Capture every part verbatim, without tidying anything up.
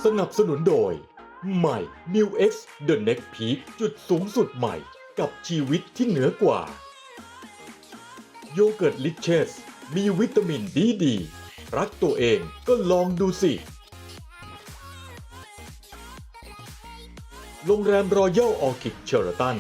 สนับสนุนโดย ใหม่ New X The Next Peak จุดสูงสุดใหม่กับชีวิตที่เหนือกว่า โยเกิร์ตลิเชสมีวิตามินดีดี รักตัวเองก็ลองดูสิ โรงแรมรอยัลออร์คิดเชอร์ตัน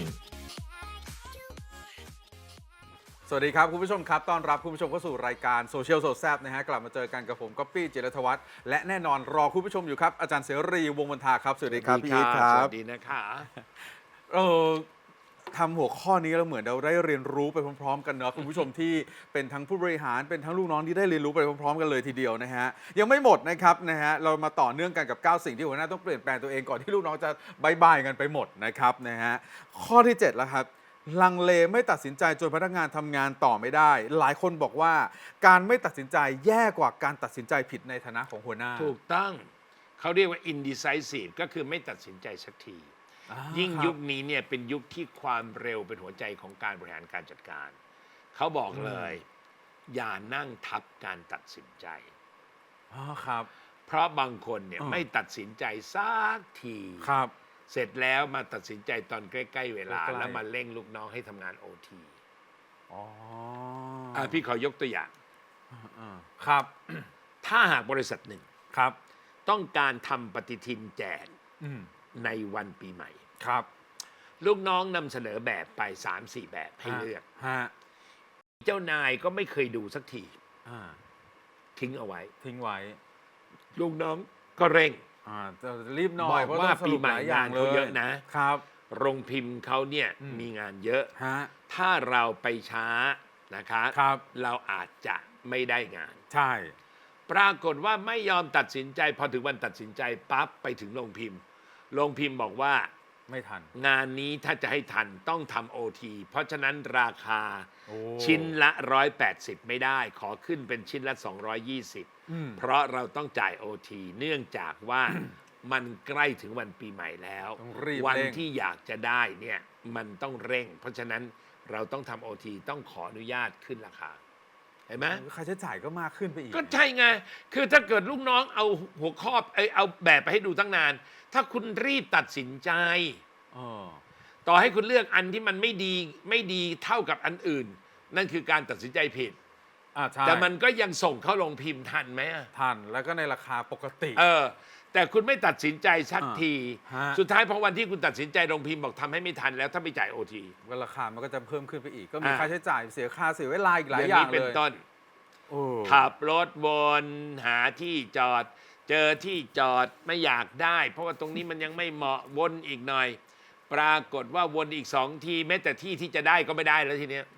สวัสดีครับคุณผู้ชมครับต้อนรับคุณผู้ชมเข้าสู่รายการโซเชียลโซแซบนะฮะกลับมาเจอกันกับผมก๊อปปี้จิรธวัฒน์และแน่นอนรอคุณผู้ชมอยู่ครับอาจารย์เสรีวงศ์มนทาครับสวัสดีครับพี่อีทครับสวัสดีนะคะเออทำหัวข้อนี้เราเหมือนเราได้เรียนรู้ไปพร้อมๆกันเนาะคุณผู้ชมที่เป็นทั้งผู้บริหารเป็นทั้งลูกน้องที่ได้เรียนรู้ไปพร้อมๆกันเลยทีเดียวนะฮะยังไม่หมดนะครับนะฮะเรามาต่อเนื่องกันกับเก้าสิ่งที่หัวหน้าต้องเปลี่ยนแปลงตัวเองก่อนที่ลูกน้องจะบายบายกันไปหมดนะครับนะฮะข้อที่เจ็ดแล้วครับลังเลไม่ตัดสินใจจนพนักงานทำงานต่อไม่ได้หลายคนบอกว่าการไม่ตัดสินใจแย่กว่าการตัดสินใจผิดในฐานะของหัวหน้าถูกต้องเขาเรียกว่า indecisive ก็คือไม่ตัดสินใจสักที ยิ่งยุคนี้เนี่ยเป็นยุคที่ความเร็วเป็นหัวใจของการบริหารการจัดการ เขาบอกเลย อย่านั่งทับการตัดสินใจอ๋อครับเพราะบางคนเนี่ยไม่ตัดสินใจสักทีครับเสร็จแล้วมาตัดสินใจตอนใกล้ๆเวลาใกล้ๆแล้วมาเร่งลูกน้องให้ทำงานโอทีอ๋ออ่ะพี่ขอยกตัวอย่างอ่าครับถ้าหากบริษัทหนึ่งครับต้องการทำปฏิทินแจกอืมในวันปีใหม่ครับลูกน้องนำเสนอแบบไป สามสี่ แบบให้เลือกฮะเจ้านายก็ไม่เคยดูสักทีอ่าทิ้งเอาไว้ทิ้งไว้ลูกน้องก็เร่งอ่าจะรีบหน่บอยอกเพราะว่าต้องสปีรุปใหม่หลายอย่างงานเลเขายเยอะนะครับโรงพิมพ์เขาเนี่ยอืมมีงานเยอะฮะถ้าเราไปช้านะคะครับเราอาจจะไม่ได้งานใช่ปรากฏว่าไม่ยอมตัดสินใจ พอถึงวันตัดสินใจปั๊บไปถึงโรงพิมพ์โรงพิมพ์บอกว่าไม่ทันงานนี้ถ้าจะให้ทันต้องทำโอทีเพราะฉะนั้นราคาโอ้ชิ้นละหนึ่งร้อยแปดสิบไม่ได้ ขอขึ้นเป็นชิ้นละสองร้อยยี่สิบอืมเพราะเราต้องจ่ายโอทีเนื่องจากว่า มันใกล้ถึงวันปีใหม่แล้วต้องรีบวันเร่งที่อยากจะได้เนี่ยมันต้องเร่ง เพราะฉะนั้นเราต้องทำโอทีต้องขออนุญาตขึ้นราคาเห็นไหมค่าใช้จ่ายก็มากขึ้นไปอีกก็ใช่ไง คือถ้าเกิดลูกน้องเอาหัวข้อเอยเอาแบบไปให้ดูตั้งนาน ถ้าคุณรีบตัดสินใจอ๋อต่อให้คุณเลือกอันที่มันไม่ดีไม่ดีเท่ากับอันอื่น นั่นคือการตัดสินใจผิดอ่าใช่แต่มันก็ยังส่งเข้าลงพิมพ์ทันไหมอะทันแล้วก็ในราคาปกติเออ แต่คุณไม่ตัดสินใจสักอ่าทีฮะสุดท้ายพอวันที่คุณตัดสินใจลงพิมพ์บอกทำให้ไม่ทันแล้วถ้าไม่จ่ายโอทีก็ราคามันก็จะเพิ่มขึ้นไปอีก ก็มีอ่าค่าใช้จ่ายเสียค่าเสียเวลาอีกหลายออย่างนี้เลเป็นยต้นโอ้ขับรถวนหาที่จอด เจอที่จอดไม่อยากได้ เพราะว่าตรงนี้มันยังไม่เหมาะวนอีกหน่อย ปรากฏว่าวนอีกสองทีแม้แต่ที่ที่จะได้ก็ไม่ได้แล้วทีเนี้ย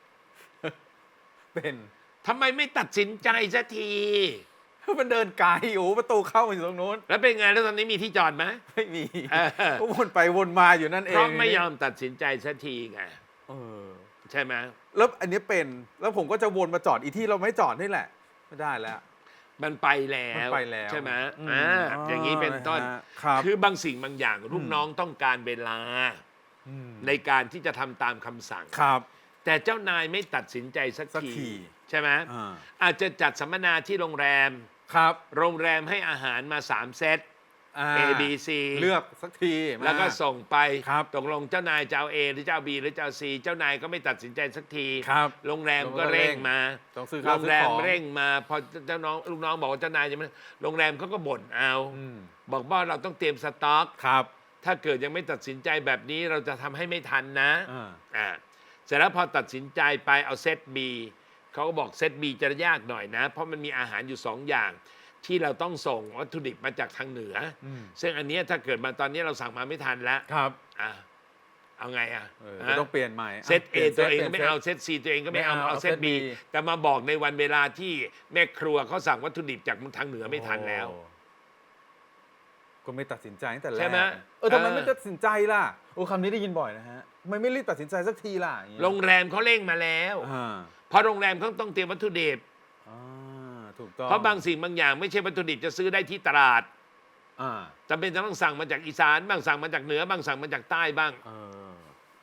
เป็นทำไมไม่ตัดสินใจสักทีมันเดินไกลโอ้ประตูเข้ามาอยู่ตรงนู้นแล้วเป็นไงแล้วตอนนี้มีที่จอดไหมไม่มีเออก็วนไปวนมาอยู่นั่นเอเพงราะไม่ยอมตัดสินใจสักทีไงเออใช่ไหมแล้วอันนี้เป็นแล้วผมก็จะวนมาจอดอีที่เราไม่จอดนี่แหละไม่ได้แล้วมันไปแล้วมันไปแล้วใช่ไหมอืมอ่าอย่างนี้เป็นต้นนะฮะครับคือบางสิ่งบางอย่างลูกน้องต้องการเวลามในการที่จะทำตามคำสั่งครับแต่เจ้านายไม่ตัดสินใจสักสักทีทีใช่ไหมอ่าอาจจะจัดสัมมนาที่โรงแรมครับโรงแรมให้อาหารมาสามเซตอ่า A B C เลือกสักทีมาแล้วก็ส่งไปครับตกลงเจ้านายจะเอา A หรือจะเอา B หรือจะเอา C เจ้านายก็ไม่ตัดสินใจสักทีครับโรงแรมก็เร่งมาต้องซื้อโรข้าวงซื้อแรมของเร่งมาพอเจ้าน้องลูกน้องบอกว่าเจ้านายจะไม่โรงแรมเขาก็บ่นเอาอืมบอกว่าเราต้องเตรียมสต็อกครับถ้าเกิดยังไม่ตัดสินใจแบบนี้เราจะทำให้ไม่ทันนะอ่าอ่าเสร็จแล้วพอตัดสินใจไปเอาเซต B เขาก็บอกเซต B จะยากหน่อยนะ เพราะมันมีอาหารอยู่สองอย่าง ที่เราต้องส่งวัตถุดิบมาจากทางเหนืออมซึ่งอันเนี้ยถ้าเกิดมาตอนนี้เราสั่งมาไม่ทันแล้วครับอ่ะเอาไงอ่ะเออฮะก็ต้องเปลี่ยนใหม่เซต A ปลี่ยนตัวเองปลี่ก็ยนไม่เอาเซต C ตัวเองก็ไม่เอาไม่เอาเอาเซตเอาเซต B B แต่มาบอกในวันเวลาที่แม่ครัวเขาสั่งวัตถุดิบจากทางเหนือไม่ทันแล้วโอ้ก็ไม่ตัดสินใจตั้งแต่แรกใช่ไหมเออทำไมเออไม่ตัดสินใจล่ะโอ้คำนี้ได้ยินบ่อยนะฮะทำไมไม่รีบตัดสินใจสักทีล่ะอย่างเงี้ยโรงแรมเขาเร่งมาแล้วอ่าเพราะโรงแรมเขาต้องเตรียมวัตถุดิบอ่าถูกต้องเพราะบางสิ่งบางอย่างไม่ใช่วัตถุดิบจะซื้อได้ที่ตลาดอ่าจำเป็นจะต้องสั่งมาจากอีสานบ้างสั่งมาจากเหนือบ้างสั่งมาจากใต้บ้างเออ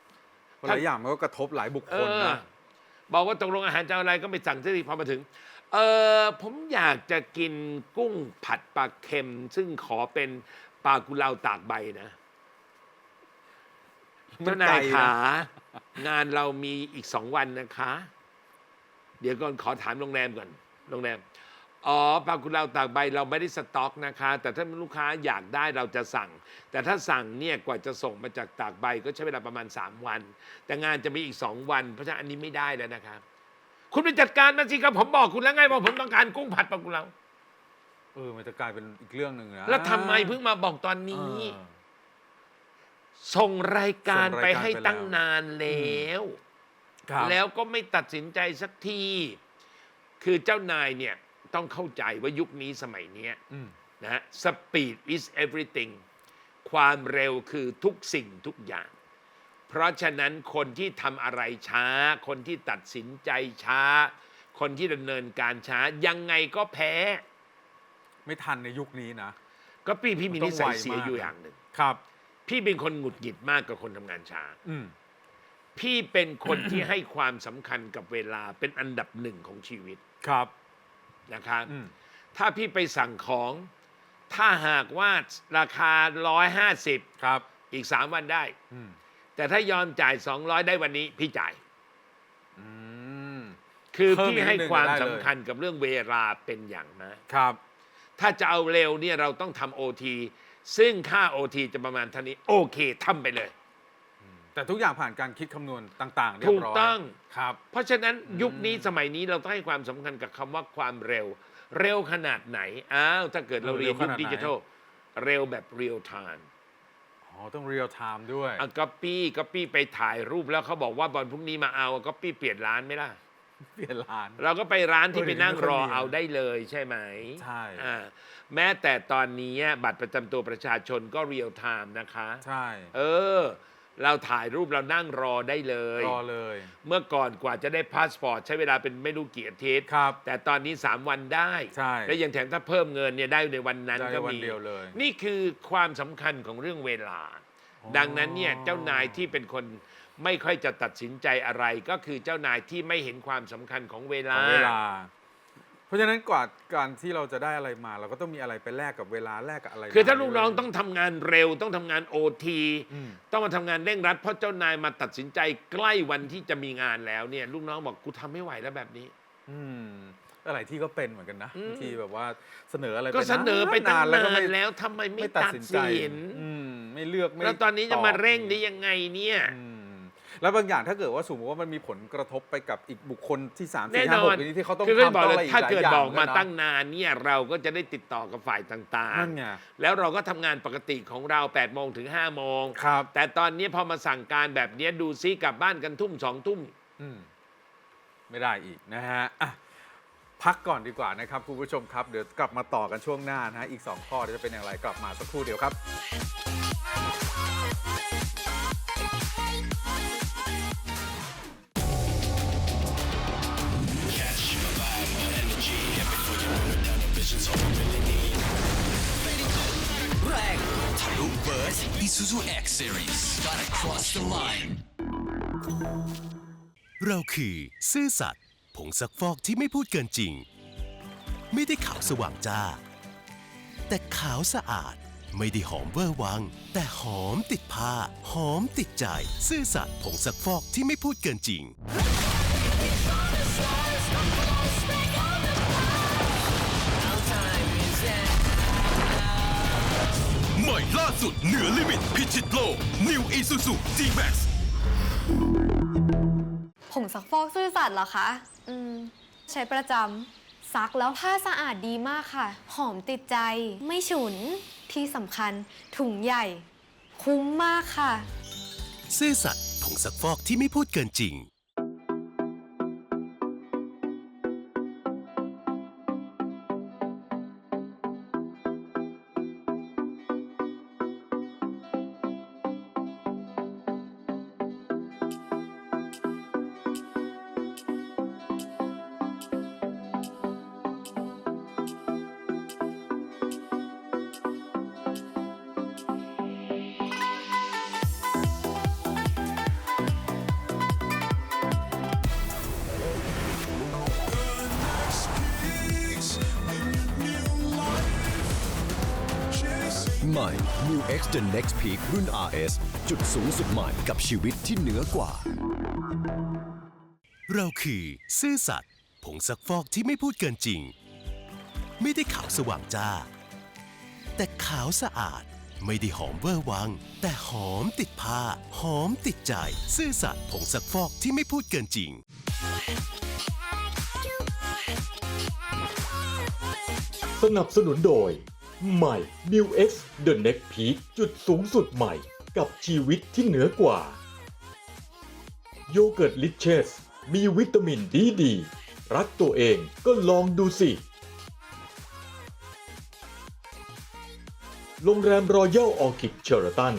เพราะหลายอย่างมันก็กระทบหลายบุคเอคลอนะบอกว่าตกลงอาหารจะเอาอะไรก็ไปสั่งที่พอมาถึงเออผมอยากจะกินกุ้งผัดปลาเค็ม ซึ่งขอเป็นปลากุเลาตากใบนะเจ้านายขางานเรามีอีกสองวันนะคะ เดี๋ยวก่อนขอถามโรงแรมก่อนโรงแรมอ๋อปลากุเลาตากใบเราไม่ได้สต็อกนะคะ แต่ถ้าลูกค้าอยากได้เราจะสั่ง แต่ถ้าสั่งเนี่ยกว่าจะส่งมาจากตากใบก็ใช้เวลาประมาณสามวัน แต่งานจะมีอีกสองวันเพราะฉะนั้นอันนี้ไม่ได้แล้วนะครับคุณไปจัดการมาสิครับผมบอกคุณแล้วไงว่าผมต้องการกุ้งผัดปลากุเลาเออมันจะกลายเป็นอีกเรื่องหนึ่งนะแล้วทำไมเพิ่งมาบอกตอนนี้เออส่งรายการส่งไปรายการให้ไปแล้วตั้งนานแล้วครับแล้วก็ไม่ตัดสินใจสักที คือเจ้านายเนี่ยต้องเข้าใจว่ายุคนี้สมัยเนี้ยอืมนะฮะ speed is everything ความเร็วคือทุกสิ่งทุกอย่าง เพราะฉะนั้นคนที่ทำอะไรช้า คนที่ตัดสินใจช้า คนที่ดำเนินการช้ายังไงก็แพ้ไม่ทันในยุคนี้นะก็พี่พี่มีมันต้นิองสัยไวเสียมากอยู่อย่างหนึ่งครับพี่เป็นคนหงุดหงิดมากกับคนทำงานช้าอืมพี่เป็นคนที่ให้ความสำคัญกับเวลาเป็นอันดับหนึ่งของชีวิตครับอืมถ้าพี่ไปสั่งของ ถ้าหากว่าราคาหนึ่งร้อยห้าสิบครับอีกสามวันได้อืมแต่ถ้ายอมจ่ายสองร้อยได้วันนี้พี่จ่ายอืมคือเพิ่มพี่อีกนิดให้นึงความได้เลยสำคัญกับเรื่องเวลาเป็นอย่างมากครับถ้าจะเอาเร็วเนี่ยเราต้องทำโอทีซึ่งค่าโอทีจะประมาณเท่านี้ โอเคทำไปเลยแต่ทุกอย่างผ่านการคิดคำนวณต่างๆเรียถูบกร้อยต้องครับเพราะฉะนั้นยุคนี้สมัยนี้เราต้องให้ความสำคัญกับคำว่าความเร็ว เร็วขนาดไหน อ้าว ถ้าเกิดเราเออเรียนเร็วขยุคนาดไหนดิจิทัลเร็วแบบเรียลไทม์อ๋อต้องเรียลไทม์ด้วยอ่ะก๊อปปี้ก๊อปปี้ไปถ่ายรูปแล้วเขาบอกว่าวันพรุ่งนี้มาเอาก๊อปปี้เปลี่ยนร้านไหมล่ะเปลี่ยนร้านเราก็ไปร้านที่เออไปนั่งรอเดี๋ยวนี้ไม่ค่อยมีเอาได้เลยใช่ไหมใช่อ่าแม้แต่ตอนนี้บัตรประจำตัวประชาชนก็เรียลไทม์นะคะใช่เออ เราถ่ายรูปเรานั่งรอได้เลยรอเลยเมื่อก่อนกว่าจะได้พาสปอร์ตใช้เวลาเป็นไม่รู้กี่อาทิตย์ครับแต่ตอนนี้ สาม วันได้ใช่และยังแถมถ้าเพิ่มเงินเนี่ยได้ในวันนั้นได้ก็วันมีเดียวเลยนี่คือความสำคัญของเรื่องเวลาอ๋อดังนั้นเนี่ยเจ้านายที่เป็นคนไม่ค่อยจะตัดสินใจอะไร ก็คือเจ้านายที่ไม่เห็นความสำคัญของเวขลาองเวลา เพราะฉะนั้นกว่าการที่เราจะได้อะไรมา เราก็ต้องมีอะไรไปแลกกับเวลาแลกกับอะไรคือถ้ามาลูกน้องด้วยต้องทำงานเร็วต้องทำงานโอทีอืมต้องมาทำงานเร่งรัดเพราะเจ้านายมาตัดสินใจใกล้วันที่จะมีงานแล้วเนี่ยลูกน้องบอกกูทำไม่ไหวแล้วแบบนี้อืมอะไรที่ก็เป็นเหมือนกันนะอืมบางทีแบบว่าเสนออะไรก็เสนอไปตั้งแล้วก็นาไม่นแล้วทำไมไม่ไม่ตัตัดดสินใจสินอืมไม่เลือกไม่แล้วตอนนี้จะบมาเร่งได้ยังไงเนี่ยอืมแล้วบางอย่างถ้าเกิดว่าสมมติว่ามันมีผลกระทบไปกับอีกบุคคลที่สามแน่สี่นห้าอหกนนี้ที่เขาต้องคือก็ทำบอกต้องเลอะไรยอีกถ้าหลายเกิดอย่างบอกมาเหนกันนะตั้งนานเนี่ยเราก็จะได้ติดต่อกับฝ่ายต่างนั่นไงๆ แล้วเราก็ทำงานปกติของเราแปดโมงถึงห้าโมงครับแต่ตอนนี้พอมาสั่งการแบบนี้ดูซิกลับบ้านกันทุ่มสองทุ่มอืมไม่ได้อีกนะฮะอ่ะพักก่อนดีกว่านะครับคุณผู้ชมครับเดี๋ยวกลับมาต่อกันช่วงหน้านะฮะอีกสองข้อเดี๋ยวจะเป็นอย่างไรกลับมาสักครู่เดียวครับแรงทะลุเบิร์ส Isuzu X Series Gotta cross the line เราคือซื่อสัตย์ผงซักฟอกที่ไม่พูดเกินจริง ไม่ได้ขาวสว่างจ้า แต่ขาวสะอาดไม่ได้หอมเวอร์วัง แต่หอมติดผ้า หอมติดใจ ซื่อสัตย์ผงซักฟอกที่ไม่พูดเกินจริงใหม่ล่าสุดเหนือลิมิตพิชิตโลก New Isuzu G-Max ผงซักฟอกซื่อสัตย์เหรอคะ อืม ใช้ประจำซักแล้วผ้าสะอาดดีมากค่ะ หอมติดใจ ไม่ฉุน ที่สำคัญถุงใหญ่ คุ้มมากค่ะซื่อสัตย์ผงซักฟอกที่ไม่พูดเกินจริงใหม่ New X The Next Peak รุ่น อาร์ เอส จุดสูงสุดใหม่กับชีวิตที่เหนือกว่าเราคือซื่อสัตย์ผงซักฟอกที่ไม่พูดเกินจริง ไม่ได้ขาวสว่างจ้า แต่ขาวสะอาดไม่ได้หอมเวอร์วัง แต่หอมติดผ้า หอมติดใจ ซื่อสัตย์ผงซักฟอกที่ไม่พูดเกินจริงสนับสนุนโดย ใหม่ New X The Next Peak จุดสูงสุดใหม่กับชีวิตที่เหนือกว่า โยเกิร์ตลิเชสมีวิตามินดีดี รักตัวเองก็ลองดูสิ โรงแรมรอยัลออคิดเชอร์ตัน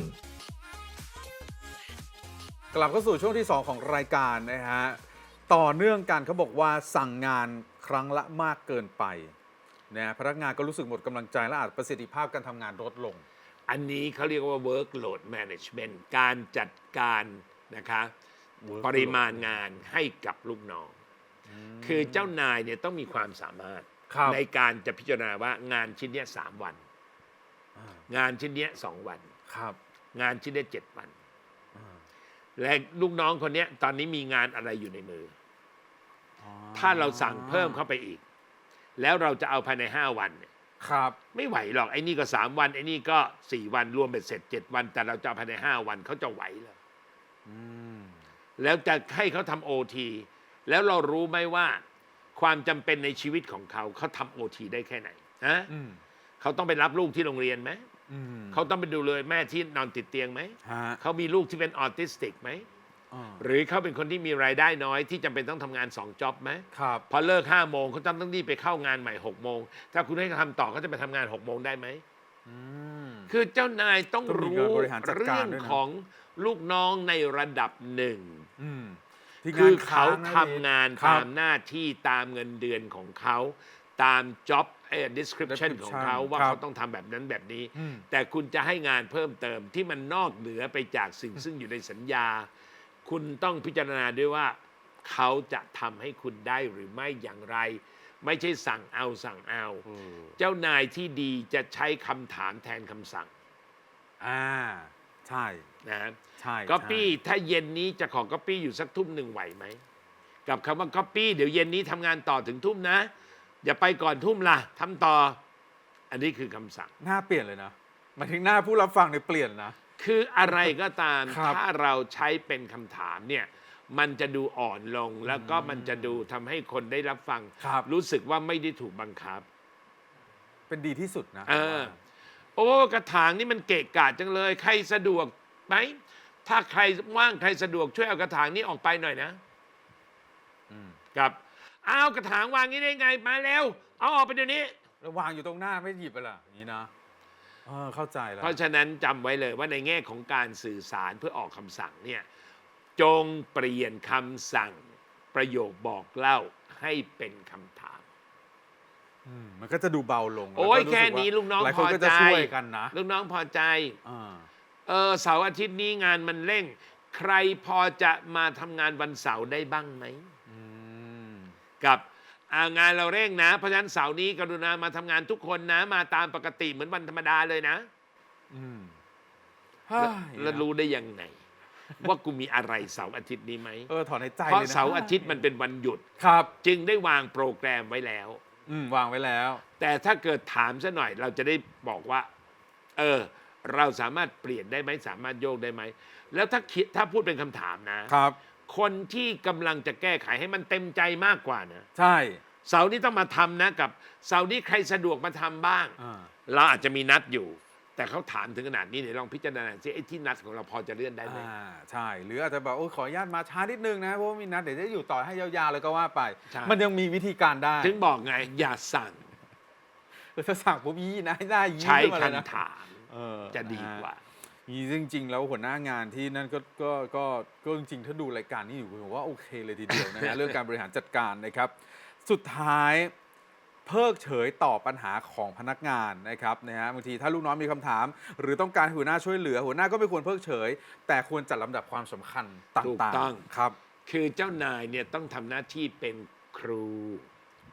กลับเข้าสู่ช่วงที่ สอง ของรายการนะฮะ ต่อเนื่องกันเขาบอกว่าสั่งงานครั้งละมากเกินไปนะพนักงานก็รู้สึกหมดกำลังใจและอาจประสิทธิภาพการทำงานลดลงอันนี้เขาเรียกว่า workload management การจัดการนะคะ Workload ปริมาณงานให้กับลูกน้อง คือเจ้านายเนี่ยต้องมีความสามารถครับในการจะพิจารณาว่างานชิ้นเนี้ยสามวัน งานชิ้นเนี้ยสองวันครับงานชิ้นเนี้ยเจ็ดวัน และลูกน้องคนเนี้ยตอนนี้มีงานอะไรอยู่ในมืออถ้าเราสั่งเพิ่มเข้าไปอีก แล้วเราจะเอาภายในห้าวันเนี่ยครับไม่ไหวหรอกไอ้นี่ก็สามวันไอ้นี่ก็สี่วันรวมเป็นเสร็จเจ็ดวัน แต่เราจะเอาภายในห้าวันเขาจะไหวเหรอแล้วจะให้เขาทำโอทีแล้วเรารู้ไหมว่า ความจำเป็นในชีวิตของเขาเขาทำโอทีได้แค่ไหนฮะเขาต้องไปรับลูกที่โรงเรียนไหมเขาต้องไปดูเลยแม่ที่นอนติดเตียงไหมเขามีลูกที่เป็นออทิสติกไหมหรือเขาเป็นคนที่มีรายได้น้อยที่จำเป็นต้องทำงานสองจ็อบไหมครับพอเลิกห้าโมงเขาต้องต้องรีบไปเข้างานใหม่หกโมงถ้าคุณให้เขาทำต่อเขาจะไปทำงานหกโมงได้ไหมคือเจ้านายต้องต้องมีรู้การบริหารจัดการเรื่องด้วยนะของลูกน้องในระดับหนึ่งที่คืงาอน เขาค้งนะทำงานครับตามหน้าที่ตามเงินเดือนของเขาตาม job เอ่อ description ของเขาว่าครับเขาต้องทำแบบนั้นแบบนี้อืมแต่คุณจะให้งานเพิ่มเติมที่มันนอกเหนือไปจากสิ่งซึ่งอยู่ในสัญญา คุณต้องพิจารณาด้วยว่าเขาจะทำให้คุณได้หรือไม่อย่างไร ไม่ใช่สั่งเอาสั่งเอา เจ้านายที่ดีจะใช้คำถามแทนคำสั่งอ่าใช่นะใช่ก๊อปปี้ใช่ถ้าเย็นนี้จะขอก๊อปปี้อยู่สักทุ่มหนึ่งไหวไหม กับคำว่าก๊อปปี้เดี๋ยวเย็นนี้ทำงานต่อถึงทุ่มนะ อย่าไปก่อนทุ่มล่ะทำต่อ อันนี้คือคำสั่งหน้าเปลี่ยนเลยนะหมายถึงหน้าผู้รับฟังเนี่ยเปลี่ยนนะคืออะไรก็ตามครับถ้าเราใช้เป็นคำถามเนี่ยมันจะดูอ่อนลงแล้วก็มันจะดูทำให้คนได้รับฟังครับรู้สึกว่าไม่ได้ถูกบังคับเป็นดีที่สุดนะเออ โอ้กระถางนี่มันเกะกะจังเลย ใครสะดวกไหมถ้าใครว่างใครสะดวกช่วยเอากระถางนี้ออกไปหน่อยนะกับเอากระถางวางนี้ได้ไงมาแล้ว เอาออกไปเดี๋ยวนี้แล้ววางอยู่ตรงหน้าไม่หยิบไปล่ะอย่างนี้นะเออเข้าใจแล้วเพราะฉะนั้นจำไว้เลยว่าในแง่ของการสื่อสารเพื่อออกคำสั่งเนี่ยจงเปลี่ยนคำสั่งประโยคบอกเล่าให้เป็นคำถามอืมมันก็จะดูเบาลงโอ้ยล้วก็รู้สึแค่ว่านี้ลูกน้องหลายพคนอก็ใจจะช่วยกันนะลูกน้องพอใจอ่าเออเสาร์อาทิตย์นี้งานมันเร่ง ใครพอจะมาทำงานวันเสาร์ได้บ้างไหมอืมกับอ่างานเราเร่งนะ เพราะฉะนั้นเสาร์นี้กรุณามาทำงานทุกคนนะ มาตามปกติเหมือนวันธรรมดาเลยนะอืมแล้วแล้วรู้ได้ยังไง ว่ากูมีอะไรเสาร์อาทิตย์นี้ไหมเออถอนในใจเพราะเลยนะเสาร์อาทิตย์มันเป็นวันหยุดครับจึงได้วางโปรแกรมไว้แล้วอืมวางไว้แล้วแต่ถ้าเกิดถามซะหน่อยเราจะได้บอกว่า เออ เราสามารถเปลี่ยนได้ไหมสามารถโยกได้ไหมแล้วถ้าคิดถ้าพูดเป็นคำถามนะครับคนที่กำลังจะแก้ไขให้มันเต็มใจมากกว่านะใช่เสาร์นี้ต้องมาทำนะกับเสาร์นี้ใครสะดวกมาทำบ้างอ่าเราอาจจะมีนัดอยู่ แต่เขาถามถึงขนาดนี้เนี่ยลองพิจารณาสิไอ้ที่นัดของเราพอจะเลื่อนได้ไหมอ่าใช่ หรืออาจจะแบบโอ้ยขออนุญาตมาช้านิดนึงนะเพราะว่ามีนัดเดี๋ยวจะอยู่ต่อให้ยาวๆเลยก็ว่าไปใช่มันยังมีวิธีการได้ถึงบอกไงอย่าสั่งเออถ้าสั่งปุ๊บยี่นะได้ยี่ใช้ขึ้นมาเลยนะคำถามเออจะดีกว่านี่จริงๆ แล้วหัวหน้างานที่นั่นก็ก็ก็ก็จริงๆ ถ้าดูรายการนี้อยู่ผมว่าโอเคเลยทีเดียวนะ ฮะ เรื่องการบริหารจัดการนะครับ สุดท้ายเพิกเฉยต่อปัญหาของพนักงานนะครับนะฮะบางทีถ้าลูกน้องมีคำถาม หรือต้องการให้หัวหน้าช่วยเหลือ หัวหน้าก็ไม่ควรเพิกเฉย แต่ควรจัดลำดับความสำคัญตถูก่างต้องๆครับคือเจ้านายเนี่ยต้องทำหน้าที่เป็นครู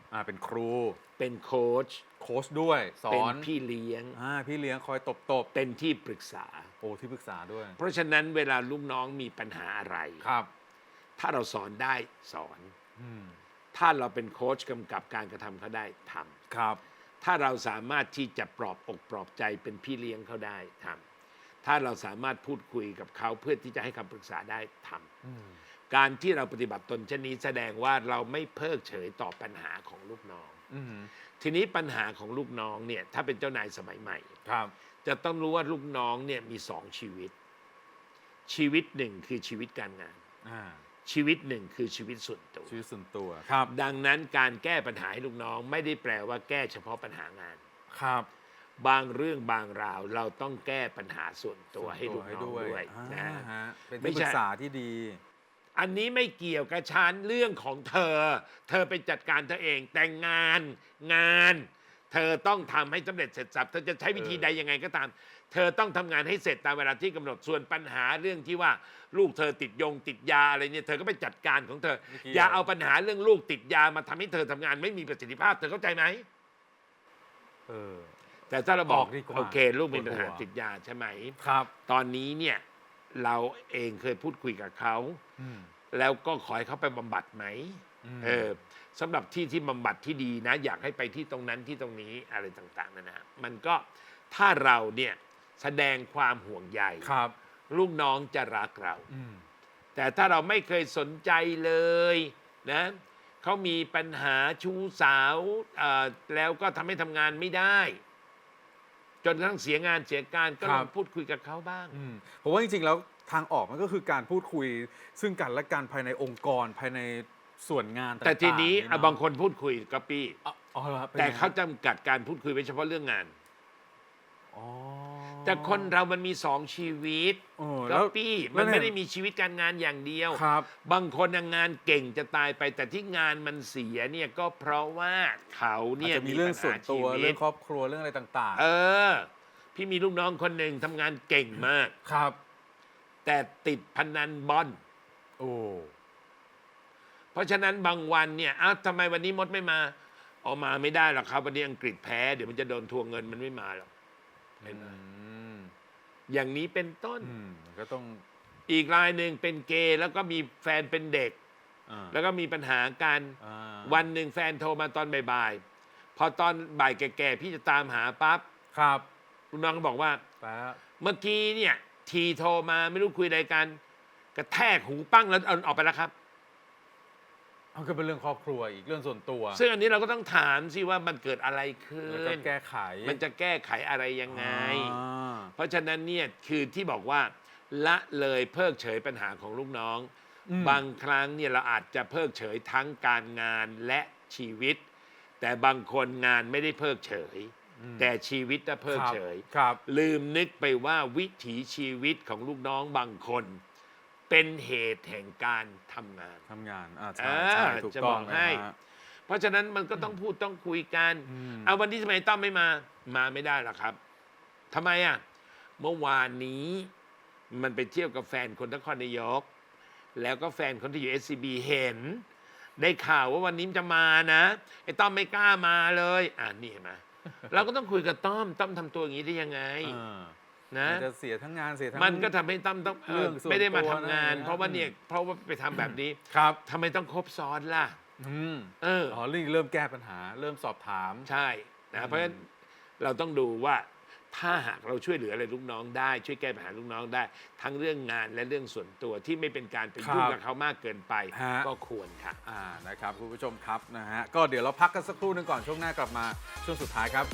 อ่าเป็นครูเป็นโค้ชโค้ชด้วยสอเป็นนพี่เลี้ยงอ่าพี่เลี้ยงคอยตบตบเป็นที่ปรึกษาโอ้ที่ปรึกษาด้วยเพราะฉะนั้นเวลาลูกน้องมีปัญหาอะไรครับถ้าเราสอนได้สอนอืมถ้าเราเป็นโค้ชกำกับการกระทำเขาได้ทำครับถ้าเราสามารถที่จะปลอบอกปลอบใจเป็นพี่เลี้ยงเขาได้ทำถ้าเราสามารถพูดคุยกับเขาเพื่อที่จะให้คำปรึกษาได้ทำอืมการที่เราปฏิบัติตนเช่นนี้แสดงว่าเราไม่เพิกเฉยต่อปัญหาของลูกน้องอืมทีนี้ปัญหาของลูกน้องเนี่ยถ้าเป็นเจ้านายสมัยใหม่ครับจะต้องรู้ว่าลูกน้องเนี่ยมีสองชีวิต ชีวิตหนึ่งคือชีวิตการงานอ่าชีวิตหนึ่งคือชีวิตส่วนตัวชีวิตส่วนตัวครับดังนั้นการแก้ปัญหาให้ลูกน้องไม่ได้แปลว่าแก้เฉพาะปัญหางานครับบางเรื่องบางราวเราต้องแก้ปัญหาส่วนตัวให้ลูกน้องด้วยอ่านะฮะเป็นไม่ที่ปใช่รึกษาที่ดีอันนี้ไม่เกี่ยวกับฉันเรื่องของเธอ เธอไปจัดการเธอเองแต่งงานงาน เธอต้องทำให้สำเร็จเสร็จสับเธอจะใช้วิธีใดยังไงก็ตาม เธอต้องทำงานให้เสร็จตามเวลาที่กำหนดส่วนปัญหาเรื่องที่ว่าลูกเธอติดยงติดยาอะไรเนี่ยเธอก็ไปจัดการของเธอไม่เกี่ยวอย่าเอาปัญหาเรื่องลูกติดยามาทำให้เธอทำงานไม่มีประสิทธิภาพเธอเข้าใจไหมเออแต่ถ้าเราบอกบอกดีกว่าโอเค ลูกมีปัญหาปวดหัวติดยาใช่ไหมครับตอนนี้เนี่ยเราเองเคยพูดคุยกับเขาอืมแล้วก็ขอให้เขาไปบำบัดไหมอืมเออสำหรับที่ที่บำบัดที่ดีนะ อยากให้ไปที่ตรงนั้นที่ตรงนี้อะไรต่างๆนะนะมันก็ถ้าเราเนี่ยแสดงความห่วงใยครับลูกน้องจะรักเราอืมแต่ถ้าเราไม่เคยสนใจเลยนะเขามีปัญหาชู้สาวเอ่อแล้วก็ทำให้ทำงานไม่ได้ จนกระทั่งเสียงานเสียการก็ลองพูดคุยกับเขาบ้างอืมผมว่าจริงๆแล้วทางออกมันก็คือการพูดคุยซึ่งกันและกันภายในองค์กรภายในส่วนงานต่างๆแต่ทีนี้เอะอ่ะบางคนพูดคุยก็ปี้อ๋ออ๋อหรอครับป็นแต่ไงเขาจำกัดการพูดคุยไว้เฉพาะเรื่องงานอ๋อแต่คนเรามันมีสองชีวิตเออก็แล้วปี้แล้มัวน เนี่ยไม่ได้มีชีวิตการงานอย่างเดียวครับบางคนน่ะงานเก่งจะตายไป แต่ที่งานมันเสียเนี่ยก็เพราะว่าเขาอาจเนี่ยจะมีเรื่องส่วนตัวปัญหาชีเรื่วิอตงครอบครัวเรื่องอะไรต่างเออ พี่มีลูกน้องคนหนึ่งทำงานเก่งมากๆ ครับแต่ติดพนันบอลโอ้เพราะฉะนั้นบางวันเนี่ยอ้าวทำไมวันนี้มดไม่มาออกมาไม่ได้หรอกครับวันนี้อังกฤษแพ้เดี๋ยวมันจะโดนทวงเงินมันไม่มาหรอกเห็นไหมอืมอย่างนี้เป็นต้นอืมก็ต้องอีกรายหนึ่งเป็นเกย์แล้วก็มีแฟนเป็นเด็กอ่าแล้วก็มีปัญหากันอ่าวันหนึ่งแฟนโทรมาตอนบ่ายๆ พอตอนบ่ายแก่ๆ พี่จะตามหาปั๊บครับลูกน้องก็บอกว่าแป๊บเมื่อกี้เนี่ยทีโทรมาไม่รู้คุยอะไรกัน กระแทกหูปั้งแล้วเอาออกไปแล้วครับเอาก็เป็นเรื่องครอบครัวอีกเรื่องส่วนตัวซึ่งอันนี้เราก็ต้องถามสิว่ามันเกิดอะไรขึ้แล้วก็นแก้ไขมันจะแก้ไขอะไรยังไงอ่าเพราะฉะนั้นเนี่ยคือที่บอกว่าละเลยเพิกเฉยปัญหาของลูกน้องอืมบางครั้งเนี่ยเราอาจจะเพิกเฉยทั้งการงานและชีวิต แต่บางคนงานไม่ได้เพิกเฉย แต่ชีวิตน่ะเพิกเฉยครับลืมนึกไปว่าวิถีชีวิตของลูกน้องบางคน เป็นเหตุแห่งการทำงานทำงานอ่าใช่อ่าใช่ถูกจะต้บออง กเลยให้ฮะเพราะฉะนั้นมันก็ต้องพูดต้องคุยกันอืมเอาวันนี้ทำไมต้อมไม่มา มาไม่ได้หรอกครับทำไมอ่ะเมื่อวานนี้มันไปเที่ยวกับแฟนคนนครนายก แล้วก็แฟนคนที่อยู่ เอส ซี บี เห็น ได้ข่าวว่าวันนี้จะมานะไอ้ต้อมไม่กล้ามาเลยอ่านี่เห็นไหม เราก็ต้องคุยกับต้อมต้อมทำตัวอย่างนี้ได้ยังไงอ่านะมันจะเสียทั้งงานเสียทั้งมันก็ทำให้ต้อมต้องเออเรื่องส่วนไม่ได้มาตัวทำงานนะเพราะว่าเนี่ยเพราะว่าไปทำแบบนี้ครับทำไมต้องครบซ้อนล่ะอืมเอออ๋อเรื่องเริ่มแก้ปัญหา เริ่มสอบถามใช่นะเพราะฉะนั้นเราต้องดูว่าถ้าหากเราช่วยเหลืออะไรลูกน้องได้ ช่วยแก้ปัญหาลูกน้องได้ ทั้งเรื่องงานและเรื่องส่วนตัวที่ไม่เป็นการไปยุ่งครับกับเขามากเกินไปฮะก็ควรค่ะอ่านะครับคุณผู้ชมครับนะฮะก็เดี๋ยวเราพักกันสักครู่หนึงก่อนช่วงหน้ากลับมาช่วงสุดท้ายครับ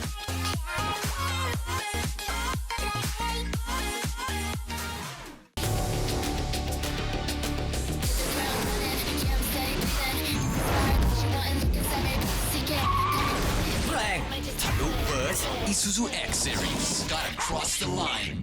แรงทะลุเบิร์ส Isuzu X Series gotta cross the line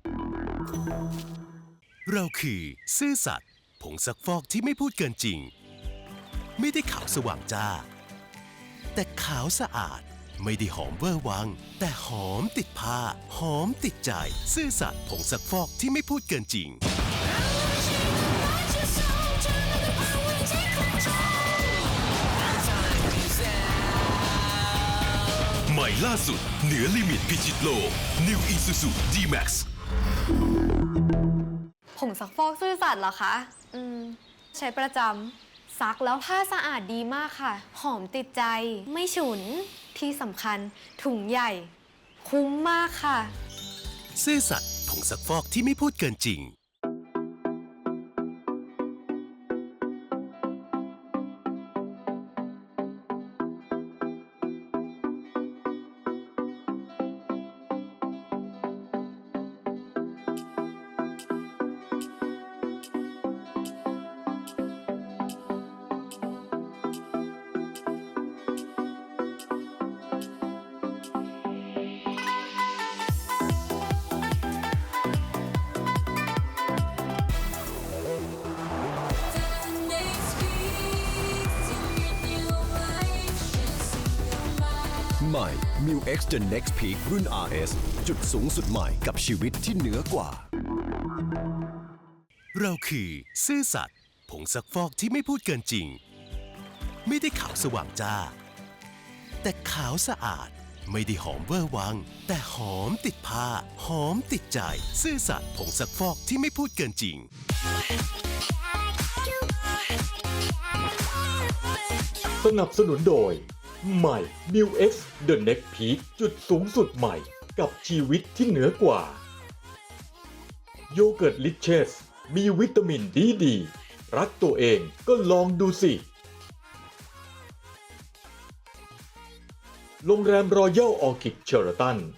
เราคือซื่อสัตย์ผงซักฟอกที่ไม่พูดเกินจริง ไม่ได้ขาวสว่างจ้า แต่ขาวสะอาดไม่ได้หอมเวอร์วัง แต่หอมติดผ้า หอมติดใจ ซื่อสัตย์ผงซักฟอกที่ไม่พูดเกินจริง Time ม่ล่าสุดเหนือลิมิตพิชิตโลก New Isuzu D-Max ผงซักฟอกซื่อสัตย์เหรอคะ อืม ใช้ประจำซักแล้วผ้าสะอาดดีมากค่ะ หอมติดใจ ไม่ฉุน ที่สำคัญถุงใหญ่ คุ้มมากค่ะซื่อสัตย์ผงซักฟอกที่ไม่พูดเกินจริงใหม่ มิว เอ็กซ์ The Next Peak รุ่น อาร์ เอส จุดสูงสุดใหม่กับชีวิตที่เหนือกว่าเราคือซื่อสัตย์ผงซักฟอกที่ไม่พูดเกินจริง ไม่ได้ขาวสว่างจ้า แต่ขาวสะอาด ไม่ได้หอมเวอร์วัง แต่หอมติดผ้า หอมติดใจ ซื่อสัตย์ผงซักฟอกที่ไม่พูดเกินจริงสนับสนุนโดย ใหม่ มิว เอ็กซ์ The Next Peak จุดสูงสุดใหม่กับชีวิตที่เหนือกว่า โยเกิร์ตลิเชสมีวิตามินดีดี รักตัวเองก็ลองดูสิ โรงแรมรอยัลออร์คิดเชอร์ตัน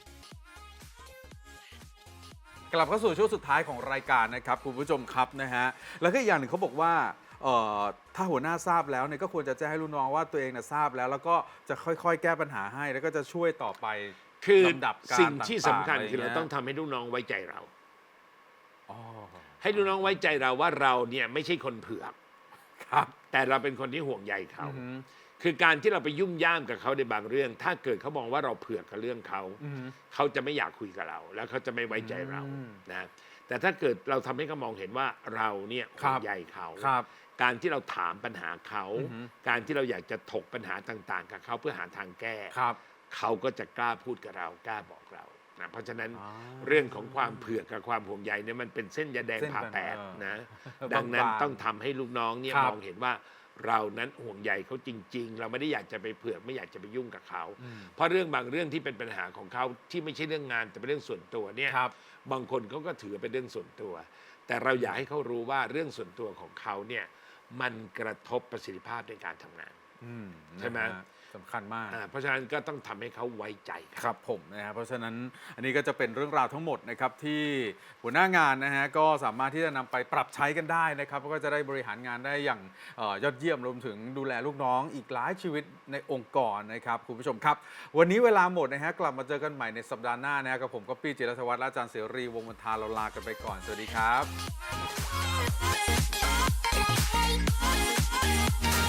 กลับเข้าสู่ช่วงสุดท้ายของรายการนะครับคุณผู้ชมครับนะฮะแล้วก็อีกอย่างหนึ่งเขาบอกว่าเอ่อถ้าหัวหน้าทราบแล้วเนี่ยก็ควรจะแจ้งให้ลูกน้องว่าตัวเองนะทราบแล้ว แล้วก็จะค่อยๆ แก้ปัญหาให้แล้วก็จะช่วยต่อไปคือลำดับการสิ่งที่สำคัญต่างๆคือเราะไย่ต้องทำให้ลูกน้องไว้ใจเราอ๋อให้ลูกน้องไว้ใจเราว่าเราเนี่ยไม่ใช่คนเผือกครับแต่เราเป็นคนที่ห่วงใยเขาอือหือคือการที่เราไปยุ่มย่ามกับเขาในบางเรื่อง ถ้าเกิดเขามองว่าเราเผือกกับเรื่องเขาอือหือเขาจะไม่อยากคุยกับเรา แล้วเขาจะไม่ไว้ใจเราอืมนะแต่ถ้าเกิดเราทำให้เขามองเห็นว่าเราเนี่ยคห่รัวบงใยเขาครับการที่เราถามปัญหาเขาอือหือการที่เราอยากจะถกปัญหาต่างๆ กับเขาเพื่อหาทางแก้ครับเขาก็จะกล้าพูดกับเรากล้าบอกเรานะเพราะฉะนั้นอ๋อเรื่องของความเผือกกับความห่วงใยเนี่ยมันเป็นเส้นยาแดงเส้นผ่าแปดเออนะเออดังนั้นบางๆต้องทำให้ลูกน้องเนี่ยครับมองเห็นว่าเรานั้นห่วงใยเขาจริง ๆ เราไม่ได้อยากจะไปเผือกไม่อยากจะไปยุ่งกับเขาอืมเพราะเรื่องบางเรื่องที่เป็นปัญหาของเขาที่ไม่ใช่เรื่องงานแต่เป็นเรื่องส่วนตัวเนี่ยครับบางคนเขาก็ถือเป็นเรื่องส่วนตัว แต่เราอยากให้เขารู้ว่าเรื่องส่วนตัวของเขาเนี่ยมันกระทบประสิทธิภาพในการทำงานอืมใช่ไหมนะฮะสำคัญมากอ่าเพราะฉะนั้นก็ต้องทำให้เขาไว้ใจครับผมนะฮะเพราะฉะนั้นอันนี้ก็จะเป็นเรื่องราวทั้งหมดนะครับที่หัวหน้างานนะฮะก็สามารถที่จะนำไปปรับใช้กันได้นะครับแล้วก็จะได้บริหารงานได้อย่างเอ่อยอดเยี่ยมรวมถึงดูแลลูกน้องอีกหลายชีวิตในองค์กรนะครับคุณผู้ชมครับ วันนี้เวลาหมดนะฮะกลับมาเจอกันใหม่ในสัปดาห์หน้านะฮะกับผมก็ปี้จิรธวัฒน์และอาจารย์เสรีวงศ์มนทาเราลากันไปก่อนสวัสดีครับ